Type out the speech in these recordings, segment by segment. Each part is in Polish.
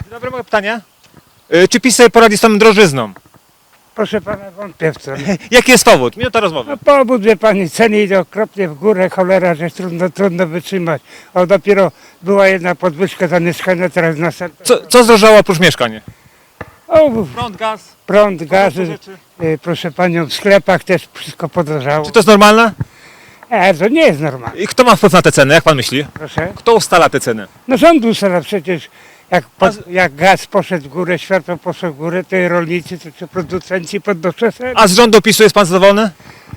Dzień dobry, moje pytanie. Czy PiS sobie poradzi z tą drożyzną? Proszę pana, wątpię w to. Jaki jest powód? Minuta rozmowy. No powód, wie pani, ceny idą okropnie w górę, cholera, że trudno wytrzymać. O, dopiero była jedna podwyżka za mieszkania, teraz następna. Co zdrożało oprócz mieszkań? O, Prąd, gaz. prąd, gaz, rzeczy. proszę panią, w sklepach też wszystko podrożało. Czy to jest normalne? To nie jest normalne, I kto ma wpływ na te ceny, jak pan myśli? proszę. Kto ustala te ceny? No rząd ustala przecież, jak gaz poszedł w górę, światło poszło w górę, to i rolnicy, czy producenci podnoszą ceny. A z rządu PiSu jest pan zadowolony?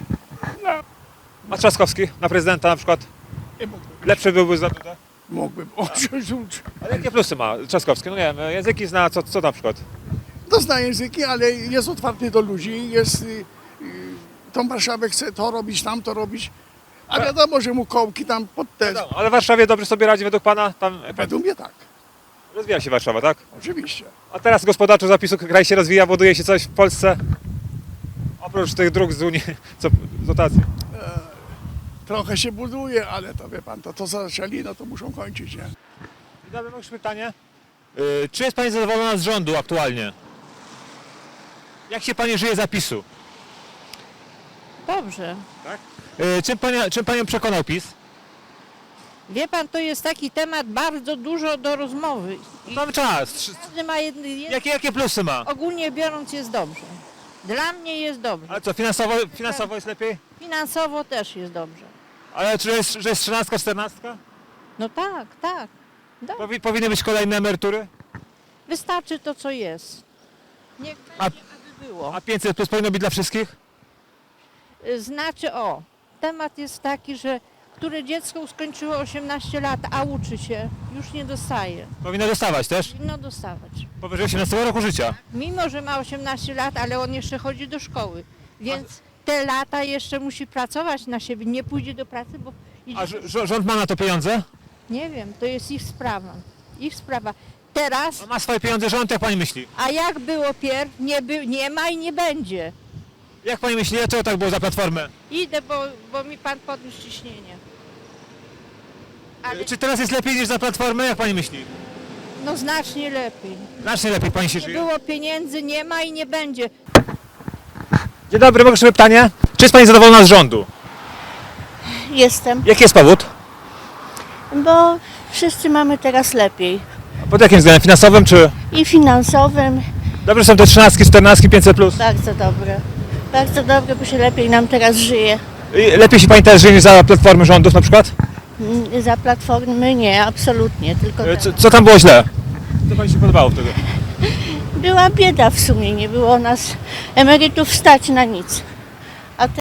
A Trzaskowski na prezydenta na przykład? Nie mógłbym. Lepszy byłby za Dudę? Mógłbym. Ale jakie plusy ma Trzaskowski? No nie wiem, języki zna, co na przykład? No zna języki, ale jest otwarty do ludzi, tą Warszawę chce to robić, tamto robić, a wiadomo, że mu kołki tam pod te... No, ale w Warszawie dobrze sobie radzi według pana? Tam Według mnie tak, rozwija się Warszawa, tak? oczywiście. A teraz gospodarczo zapisu kraj się rozwija, buduje się coś w Polsce? Oprócz tych dróg z Unii, co z dotacji. Trochę się buduje, ale to wie pan, to co zaczęli, no to muszą kończyć, nie? Dobra, mam już pytanie. Czy jest pani zadowolona z rządu aktualnie? Jak się pani żyje zapisu? Dobrze. Czym panią przekonał PiS? Wie pan, to jest taki temat bardzo dużo do rozmowy. I Mamy czas. każdy ma Jakie plusy ma? ogólnie biorąc jest dobrze. Dla mnie jest dobrze. Ale co, finansowo jest lepiej? Finansowo też jest dobrze. Ale że jest 13, 14? No tak, tak. Powinny być kolejne emerytury? Wystarczy to, co jest. Niech A- będzie, aby było. A 500 plus powinno być dla wszystkich? Znaczy, temat jest taki, że które dziecko skończyło 18 lat, a uczy się, już nie dostaje. Powinno dostawać też? Powinno dostawać. Powyżej 18 roku życia. Mimo, że ma 18 lat, ale on jeszcze chodzi do szkoły, więc te lata jeszcze musi pracować na siebie, nie pójdzie do pracy, bo idzie... A rząd ma na to pieniądze? Nie wiem, to jest ich sprawa. Ich sprawa. Teraz, A ma swoje pieniądze rząd, jak pani myśli? a jak było pierw, nie ma i nie będzie. Jak pani myśli, dlaczego tak było za Platformę? Idę, bo mi pan podniósł ciśnienie. Ale Czy teraz jest lepiej niż za Platformę, jak pani myśli? no znacznie lepiej. Znacznie lepiej pani się Nie żyje. było pieniędzy, nie ma i nie będzie. Dzień dobry, mogę sobie pytanie? Czy jest pani zadowolona z rządu? Jestem, Jaki jest powód? bo wszyscy mamy teraz lepiej. Pod jakim względem? Finansowym czy... I finansowym Dobrze są te 13, 14, 500 plus? bardzo dobre. Bardzo dobre, bo się lepiej nam teraz żyje. Lepiej się pani teraz żyje niż za Platformy rządów na przykład? Za Platformy nie, absolutnie, tylko Co tam było źle? Co pani się podobało wtedy? była bieda w sumie, nie było nas emerytów stać na nic.